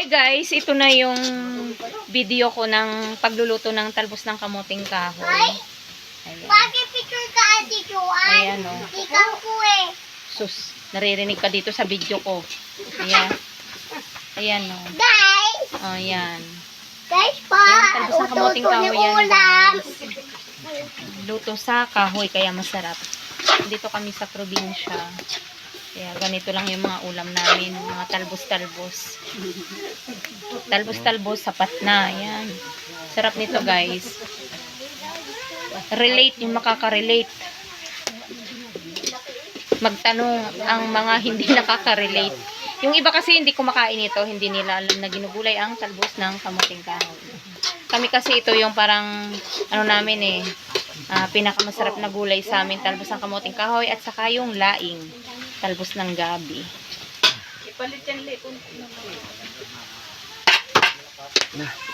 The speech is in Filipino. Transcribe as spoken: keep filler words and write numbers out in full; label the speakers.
Speaker 1: Hi guys, ito na yung video ko ng pagluluto ng talbos ng kamuting kahoy. Ayan.
Speaker 2: Bakit picture ka, Ate Joanne?
Speaker 1: Ayan o.
Speaker 2: Ikaw ko eh.
Speaker 1: Sus, naririnig ka dito sa video ko. Ayan. Ayan o.
Speaker 2: Guys!
Speaker 1: O, ayan.
Speaker 2: Guys pa!
Speaker 1: Ayan, talbos ng kamuting
Speaker 2: Ututo ni
Speaker 1: kahoy yan
Speaker 2: ulam.
Speaker 1: guys. Luto sa kahoy, kaya masarap. Dito kami sa probinsya. Kaya ganito lang yung mga ulam namin. Mga talbos-talbos. Talbos-talbos, sapat na. Ayan. Sarap nito guys. Relate yung makaka-relate. Magtanong ang mga hindi nakaka-relate. Yung iba kasi hindi kumakain ito. Hindi nila alam na ginugulay ang talbos ng kamuting kahoy. Kami kasi ito yung parang ano namin eh. Uh, pinakamasarap na gulay sa amin. Talbos ng kamuting kahoy at saka yung laing. Talbos ng gabi. Ipalit yan, le.